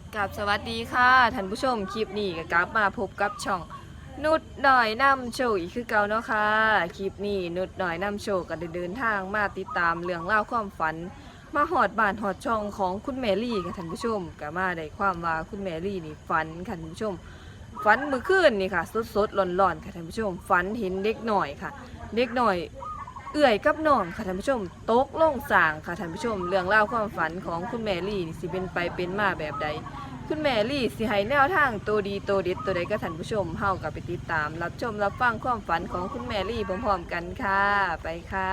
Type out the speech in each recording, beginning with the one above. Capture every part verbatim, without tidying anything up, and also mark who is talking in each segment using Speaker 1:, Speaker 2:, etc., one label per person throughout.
Speaker 1: กับสวัสดีค่ะท่านผู้ชมคลิปนี้ก็กลับมาพบกับช่องนุดหน่อยนำโชว์อีกคือเก่าเนาะค่ะคลิปนี้นุดหน่อยนำโชว์ก็ได้เดินทางมาติดตามเรื่องเล่าวความฝันมาหอดบ้านหอดช่องของคุณแมรี่ค่ะท่านผู้ชมก็มาได้ความว่าคุณแมรี่นี่ฝันค่ะท่านผู้ชมฝันเมื่อคืนนี่ค่ะสดๆร้อนๆค่ะท่านผู้ชมฝันเห็นเด็กหน่อยค่ะเด็กหน่อยเอื่อยกับน้องค่ะท่านผู้ชมตกลงสางค่ะท่านผู้ชมเรื่องเล่าวความฝันของคุณแมรี่นี่สิเป็นไปเป็นมาแบบใดคุณแมรี่สิให้แนวทางตัวดีตัวเด็ดตัวใดก็ท่านผู้ชมเฮากับไปติดตามรับชมรับฟังความฝันของคุณแมรี่พร้อมๆกันค่ะไปค่ะ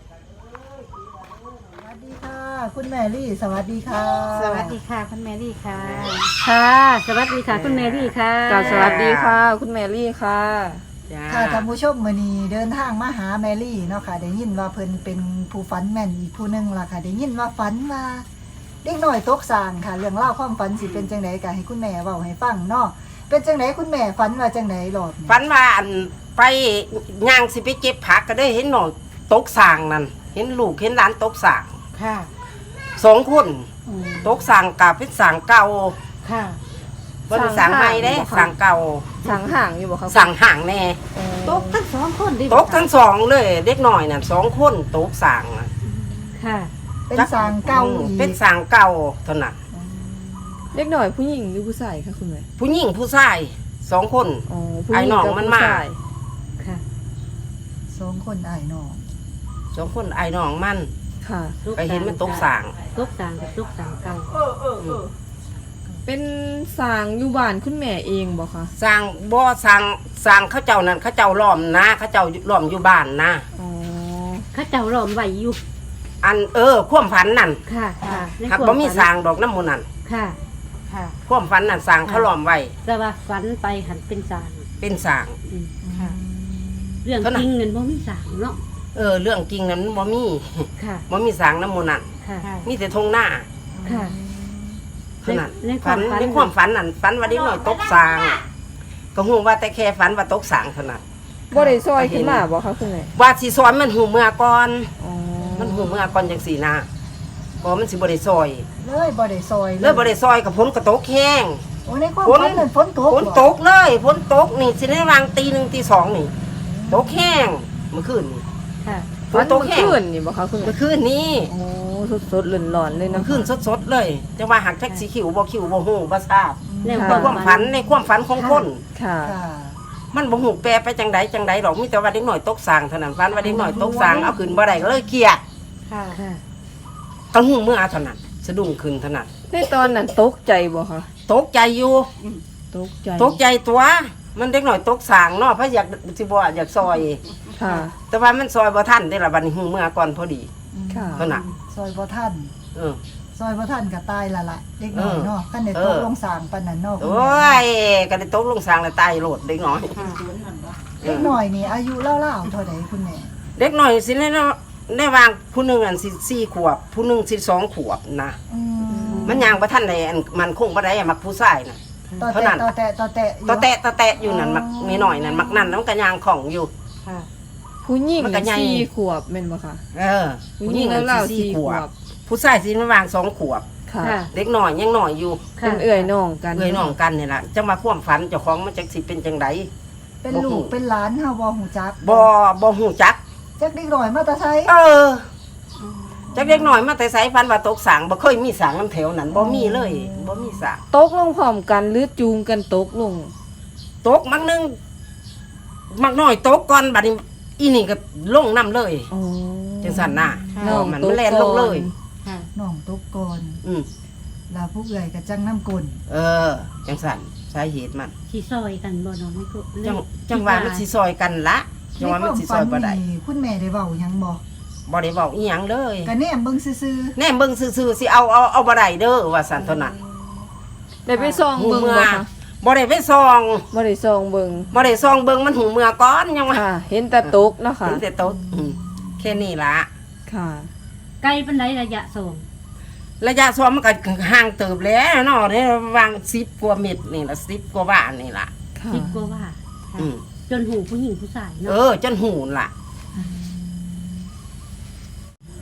Speaker 2: สวัสดีค่ะคุณแมรี่สวัสดีค่ะ
Speaker 3: สวัสดีค่ะคุณแมรี่ค่ะ
Speaker 4: ค่ะ สวัสดีค่ะคุณแมรี่ค่ะ
Speaker 1: กล่าวสวัสดีค่ะคุณแมรี่ค่ะ
Speaker 4: จ้า
Speaker 2: ค่ะท่านผู้ชมมื้อนี้เดินทางมาหาแมรี่เนาะค่ะได้ยินว่าเพิ่นเป็นผู้ฝันแม่นอีกผู้หนึงล่ะค่ะได้ยินว่าฝันว่าเด็กน้อยตกสางค่ะเรื่องเล่าวความฝันสิเป็นจังไดก็ให้คุณแม่เว้าให้ฟังเนาะเป็นจังไดคุณแม่ฝันว่าจังไดรอบนี้
Speaker 3: ฝันว่าอันไปย่างสิไปเก็บผักก็ได้เห็นหน่อยตกสางนั่นเห็นลูกเห็นหลานตกสาง
Speaker 4: ค่ะ
Speaker 3: สองคนตกสางกับเป็นสางเก่า
Speaker 4: ค่ะ
Speaker 3: บนสางใหม่เด้สางเก่า
Speaker 1: สังห่างอยู่บ่คะ
Speaker 3: สางห่างแน่
Speaker 4: ตกทั้งสองคนดิ
Speaker 3: ตกทั้งสองเลยเด็กหน่อยน่ะสองคนตกสางน่ะ
Speaker 4: ค่ะ
Speaker 2: เป็นสางเก่าอีก
Speaker 3: เป็นสางเก่าเท่านั้น
Speaker 1: เด็กหน่อยผู้หญิงหรือผู้ชายคะคุณแม่
Speaker 3: ผู้หญิงผู้ชายสองคน
Speaker 1: อ๋อผู้ห
Speaker 3: ไอ้
Speaker 1: ญิง
Speaker 3: น้อง
Speaker 1: กับ
Speaker 3: มัน
Speaker 1: ผู้
Speaker 3: มา
Speaker 1: ชาย
Speaker 4: ค่ะ
Speaker 2: สองคนอ้ายน้อง
Speaker 3: สองคนไอ้น้องมัน
Speaker 1: ค่ะ
Speaker 3: ก็เห็นมันตกสาง
Speaker 4: ตกสางกับตกสางเก่า
Speaker 1: เป็นสางอยู่บ้านคุณแม่เองบ่คะ
Speaker 3: สร้างบ่สร้างสร้างเขาเจ้านั่นเขาเจ้าล้อมนะเขาเจ้าล้อมอยู่บ้านนะ
Speaker 1: อ๋อ
Speaker 4: เข้าเจ้าหลอมไหวอยู่
Speaker 3: อันเออความฝันนั่น
Speaker 4: ค่ะ ค่ะใน
Speaker 3: หาก
Speaker 4: คว
Speaker 3: บ่มี
Speaker 4: ฝัน
Speaker 3: สร้างดอกน้ำมูนั่น
Speaker 4: ค่ะ ค่ะ
Speaker 3: ความฝันนั่นสร้างเขาล้อมไว้
Speaker 4: แต่ว่าฝันไปหันเป็นสาง
Speaker 3: เป็นสร้าง
Speaker 4: อืมค่ะ เรื่อง
Speaker 3: เท่านั้น
Speaker 4: จริงเงินบ่มีสางเนาะ
Speaker 3: เออเรื่องจริงนั้นบ่มี
Speaker 4: ค่ะ
Speaker 3: บ่มีสร้างน้ำมูนั่น
Speaker 4: ค่ะ
Speaker 3: มีแต่ทงหน้า
Speaker 4: ค่ะ
Speaker 3: เท่านั้น
Speaker 4: ในใน
Speaker 3: ฝัน
Speaker 4: ความฝัน
Speaker 3: ในความฝันนั่นฝันว่าเด็กน้อยตกสร้าง ก็ฮู้ว่าแต่แค่ฝันว่าตกสร้างเท่านั้น
Speaker 1: บ่ได้ซอยขึ้นมาบ่คะคุณแม่
Speaker 3: ว่าสิสอนมันหูเมื่อก่อน
Speaker 1: อ๋อ
Speaker 3: มันหูเมื่อก่อนจังซี่นะบ่มันสิบ่ได้ซอย
Speaker 2: เลยบ่ได้ซอย
Speaker 3: เลยบ่ได้ซอยกับฝนก็ตกแห้ง
Speaker 2: โอ้ในความ
Speaker 3: ฝน
Speaker 2: ฝันนั่นฝนตก
Speaker 3: ฝนตกเลยฝนตกนี่สิได้วางตีหนึ่งตีสองนี่ตกแห้งเมื่อคืนนี่
Speaker 4: ค่ะ
Speaker 3: ฝนตกแห้ง
Speaker 1: คืนนี่บ่คะคุณแม่
Speaker 3: เมื่อคืนนี้
Speaker 1: โอ้สดๆร้อนๆเลย
Speaker 3: เมื่
Speaker 1: นะ
Speaker 3: อคืนสดๆเลยจะว่าหักแท็กสีขิวบ่ขิวบ่ฮู้บ่ทราบ
Speaker 4: ใน
Speaker 3: ในความฝันในความฝันของคน
Speaker 1: ค่ะ
Speaker 2: ค่ะ
Speaker 3: มันบ่ฮู้แปลไปจังใดจังใดดอกมีแต่ว่าเด็กน้อยตกสางเท่านั้นฝันว่าเด็กน้อยตกสางเอาขึ้นบ่ได้ก็เลยเครียด
Speaker 4: ค่ะ ค่ะ
Speaker 3: ก็ฮู้เมื่อเท่านั้นสะดุ้งขึ้นเท่านั้น
Speaker 1: ในตอนนั้นตกใจบ่คะ
Speaker 3: ตกใจอยู่
Speaker 1: ตกใจ
Speaker 3: ตกใจตัว มันเด็กน้อยตกสางเนาะเพราะอยากสิบ่อยากซอย
Speaker 1: ค่ะ
Speaker 3: แต่ว่ามันซอยบ่ทันได้ล่ะบัดนี้ฮู้เมื่อก่อนพอดี
Speaker 1: ค่ะ
Speaker 3: เท่านั้น
Speaker 2: ซอยบ่ทัน
Speaker 3: เออ
Speaker 2: ซอยบ่ทันก็ตายละละเด็กน้อยเนาะคันได้
Speaker 3: เอ
Speaker 2: ต
Speaker 3: อ
Speaker 2: กลงสางปานนั้นเนาะคุณ
Speaker 3: โอ้
Speaker 2: แม่
Speaker 3: ยก็ได้ตกลงสางแล้วตายโลดเด็กน้อย
Speaker 2: เด็กน้อยนี่อายุเล่าๆเท่าใดคุณแม่
Speaker 3: เด็กน้อยสิได้ได้วางผู้หนึงอันสิสี่ขวบ ผู้หนึงสิสองขวบนะ
Speaker 2: อืม
Speaker 3: มันย่างบ่ทันได้อันมันคงบ่ได้อะมักผู้ชายน่ะ
Speaker 2: ต่อ
Speaker 3: เท่า
Speaker 2: แตะ
Speaker 3: นั้น
Speaker 2: ต่อแตะต่อแตะอยู่
Speaker 3: ตะแตะตะแตะอยู่นั่นมักมีหน่อยนั่นมักนั่นแล้วมันก็ย่างของอยู่
Speaker 4: ค่ะ
Speaker 1: ผู้หญิง
Speaker 3: มันก็ใหญ่
Speaker 1: สี่ขวบแม่นบ่คะ
Speaker 3: เออ
Speaker 1: ผู้หญิงแล้ว
Speaker 3: อั
Speaker 1: เรา
Speaker 3: นสิ
Speaker 1: สี่ขวบ
Speaker 3: ผู้ชายสิมาวางสองขวบ
Speaker 1: ค่ะ
Speaker 4: ค่ะ
Speaker 3: เด็กน้อยยังน้อยอยู่
Speaker 1: เป็นเอื่อยน้องกัน
Speaker 3: เอ้ยน้องกันนี่ล่ะจังมาความฝันเจ้าของมันจักสิเป็นจังได
Speaker 2: เป็นลูกเป็นหลานเฮาบ่ฮู้จัก
Speaker 3: บ่บ่ฮู้จัก
Speaker 2: จักเด็กน้อยมาแตะไส
Speaker 3: เออจักเด็กน้อยมาแต่ไสฝันว่าตกสางบ่เคยมีสางน้ำแถวนั้นบ่มีเลยบ่มีสาง
Speaker 1: ตกลงพร้อมกันหรือจูงกันตกลง
Speaker 3: ตกมักนึงมักน้อยตกก่อนบัดนี้อีนี่ก็ลงน้ำเลย
Speaker 1: อ๋อ
Speaker 3: จังซั่นน่ะ
Speaker 4: ค่ะ
Speaker 1: น้อง
Speaker 3: มัน
Speaker 1: ตก
Speaker 3: แล่นลงเลย
Speaker 4: ค่ะ
Speaker 2: น้องตกก่อน
Speaker 3: อืม
Speaker 2: ลาผู้เอื้อยก็จังน้ำกลน
Speaker 3: เออ จังซั่นสาเหตุมัน
Speaker 4: ที่ซอยกันบ่เน้องไม่ก็
Speaker 3: จังจังว่ามันสิซอยกันละจังว่ามันสิซอยบ่ได้
Speaker 2: ในความฝันนี่คุณแม่ได้เว้าหยังบ่
Speaker 3: บ่ได้เว้าอีหยังเลย
Speaker 2: ก็แนมเบิ่งซื่อ
Speaker 3: แน่เบิ่งซื่อๆสิเอาเอาเอาบ่ได้เด้อว่าซั่นเท่านั้น
Speaker 1: ได้ไปส่อง
Speaker 3: หู
Speaker 1: เบิ่ง
Speaker 3: เมื่อ
Speaker 1: บ่คะ
Speaker 3: บ่ได้ไปซอง
Speaker 1: บ่ได้ส่องเบิ่ง
Speaker 3: บ่ได้ซองเบิ่งมันหูเมื่อก่อนยังว่า
Speaker 1: ค่ะ เห็นแต่ตกเนาะค่ะ
Speaker 3: เห็นแต่โตะอืมแค่นี้ล่ะ
Speaker 1: ค่ะ
Speaker 4: ไกลเป็นไรระยะส่ง
Speaker 3: ระยะซ้อมมันก็ห่างเติบแล้วเนาะเนี่ยวางสิบกว่าเม็ดนี่ละสิบกว่าบาทนี่ล่ะ
Speaker 1: ค่ะ
Speaker 4: สิบกว่าว่าค่ะ
Speaker 3: อืม
Speaker 4: จนหูผู้หญิงผู้ชาย
Speaker 3: เอ
Speaker 4: เนาะ
Speaker 3: อจนหูล่ะ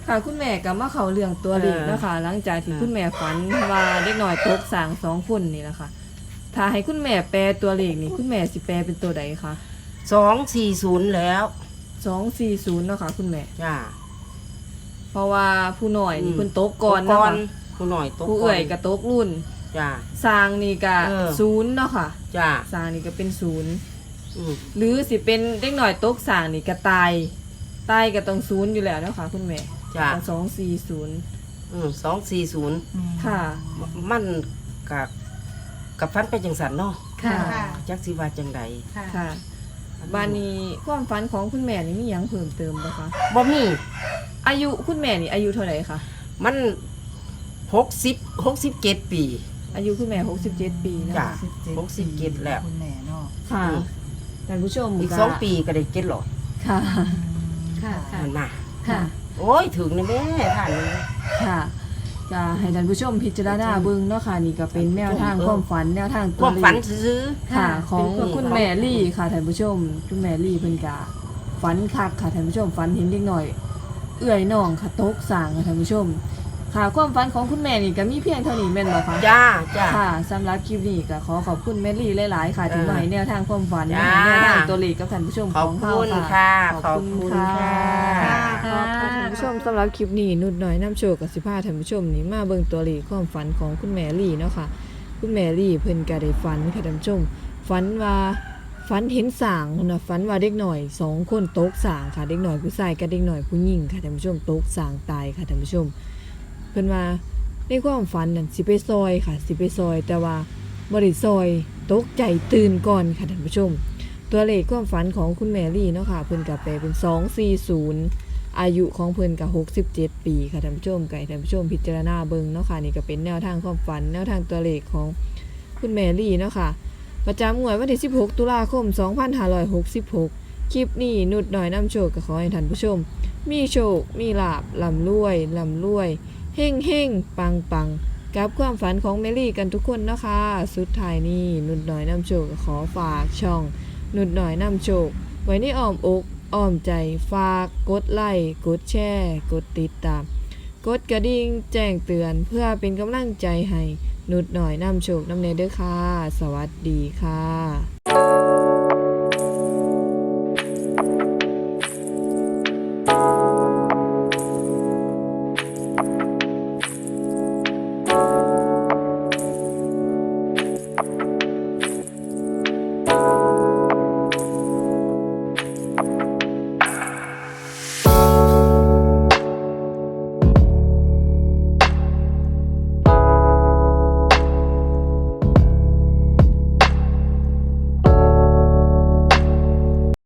Speaker 1: ค่ะคุณแม่ก็มาเข้าเรื่องตัวเลข
Speaker 3: เออ
Speaker 1: เนาะคะหลังจากที่
Speaker 3: เออ
Speaker 1: คุณแม่ฝันว่าเด็กน้อยตกสร้างสองคนนี่แหละค่ะถ้าให้คุณแม่แปลตัวเลขนี่คุณแม่สิแปลเป็นตัวใดคะ
Speaker 3: สองสี่ศูนย์แล้ว
Speaker 1: สองสี่ศูนย์เนาะค่ะคุณแม่
Speaker 3: จ้า
Speaker 1: เพราะว่าผู้น้อยนี่
Speaker 3: อืม
Speaker 1: เพิ่นตกก่อน
Speaker 3: ต
Speaker 1: เนาะ
Speaker 3: ก่
Speaker 1: ค่ะ
Speaker 3: ผู้หน่อยตก
Speaker 1: ผู้เอื่อยก็ตกรุ่น
Speaker 3: จ้า
Speaker 1: สร้างนี่ก็
Speaker 3: เออ
Speaker 1: ศูนย์เนาะค่ะ
Speaker 3: จ้า
Speaker 1: สร้างนี่ก็เป็นศูนย์
Speaker 3: อืม
Speaker 1: หรือสิเป็นเด็กน้อยตกสร้างนี่ก็ตายตายก็ต้องศูนย์อยู่แล้วเนาะค่ะคุณแม่
Speaker 3: จ้า
Speaker 1: สองสี่ศูนย์
Speaker 3: อืมสองสี่ศูนย์
Speaker 2: อืม
Speaker 1: ค่ะ
Speaker 3: มันกับกับฟันไปจังสันเนาะ
Speaker 4: ค่ะ
Speaker 2: ค่ะ
Speaker 3: จักสิว่าจังใด
Speaker 4: ค่ะ
Speaker 1: ค่ะบานนี้ความฝันของคุณแม่นี่มีหยังเพิ่มเติมบ่คะ
Speaker 3: บ่มี
Speaker 1: อายุคุณแม่นี่อายุเท่าไหร่คะ
Speaker 3: มันหกสิบหกสิบเจ็ดปี
Speaker 1: อายุคุณแม่หกสิบเจ็ดปีนะ
Speaker 3: จ้ะ
Speaker 1: คะ
Speaker 3: หกสิบเจ็ดแล้ว
Speaker 2: คุณแม่เนาะ
Speaker 1: ค่ะ
Speaker 3: อืม
Speaker 1: ท่านผู้ชม
Speaker 3: อีก
Speaker 1: ก็
Speaker 3: สองปีก็ได้เจ็ดหลอด
Speaker 1: ค่ะ
Speaker 4: ค่ะ ค่ะ
Speaker 3: นั่นน่ะ
Speaker 4: ค่ะ
Speaker 3: โอ้ยถึงนะแม่ท่านนี่
Speaker 1: ค่ะจะให้ท่านผู้ชมพิจารณาเบิ่งเนาะค่ะนี่ก็เป็นแนวทาง
Speaker 3: เออ
Speaker 1: ความฝันแนวทาง
Speaker 3: ค
Speaker 1: ตัว
Speaker 3: วาม
Speaker 1: เล
Speaker 3: ฝัน
Speaker 1: ข
Speaker 3: ซื้อ
Speaker 1: ค่ะ ของ
Speaker 3: เป็น
Speaker 1: คุณแม่ลี่ค่ะท่านผู้ชม คุณแม่ลี่เพิ่นก็ฝันคักค่ะท่านผู้ชมฝันเห็นเด็กน้อย เอื้อยน้องค่ะตกสร้างค่ะท่านผู้ชม ค่ะความฝันของคุณแม่นี่ก็มีเพียงเท่านี้แม่นบ่คะ
Speaker 3: ๆจ้าจ้า
Speaker 1: ค่ะสำหรับคลิปนี้ก็ขอขอบคุณแม่ลี่หลายๆค่ะ
Speaker 3: เออ
Speaker 1: ที่มาให้แนวทางความฝัน
Speaker 3: จ้า
Speaker 1: ให้แนวทางตัวเลขกับท่านผู้ชม
Speaker 3: ขอบ
Speaker 1: ของเรา
Speaker 3: คุณ
Speaker 1: ค่ะ
Speaker 3: ค่ะ ขอบคุณค่ะ
Speaker 1: ขอบคุณท่านผู้ชมสำหรับคลิปนี้นุดน้อยน้ำโชคกับสิพาท่านผู้ชมนี่มาเบิ่งตัวเลขความฝันของคุณแม่ลี่เนาะค่ะ คุณแม่ลี่เพิ่นก็ได้ฝันค่ะท่านผู้ชมฝันว่าฝันเห็นสางนะฝันว่าเด็กหน่อยสองคนตกสางค่ะเด็กหน่อยผู้ชายกับเด็กหน่อยผู้หญิงค่ะท่านผู้ชมตกสางตายค่ะท่านผู้ชม เพิ่นว่าในความฝันนั่นสิไปซอยค่ะสิไปซอย แต่ว่าบ่ได้ซอยตกใจตื่นก่อนค่ะท่านผู้ชม ตัวเลขความฝันของคุณแมรี่เนาะค่ะเพิ่นก็แปลเป็นสองสี่ศูนย์อายุของเพิ่นก็หกสิบเจ็ดปีค่ะท่านผู้ชมไก่ท่านผู้ชมพิจารณาเบิ่งเนาะค่ะนี่ก็เป็นแนวทางความฝันแนวทางตัวเลขของคุณแมรี่เนาะค่ะประจำงวดวันที่สิบหกตุลาคมสองพันห้าร้อยหกสิบหกคลิปนี้นุดหน่อยนำโชคก็ขอให้ท่านผู้ชม มีโชคมีลาภร่ำรวยร่ำรวยเฮ่งเฮ่งปังปังกับความฝันของเมลี่กันทุกคนนะคะสุดท้ายนี้นุดหน่อยนำโชคก็ขอฝากช่อง นุดหน่อยนำโชค ไว้ในอ้อมอกอ้อมใจฝากกดไลค์กดแชร์กดติดตาม กดกระดิ่งแจ้งเตือนเพื่อเป็นกำลังใจให้นุดหน่อยนำโชคนำเนเด้อค่ะ สวัสดีค่ะ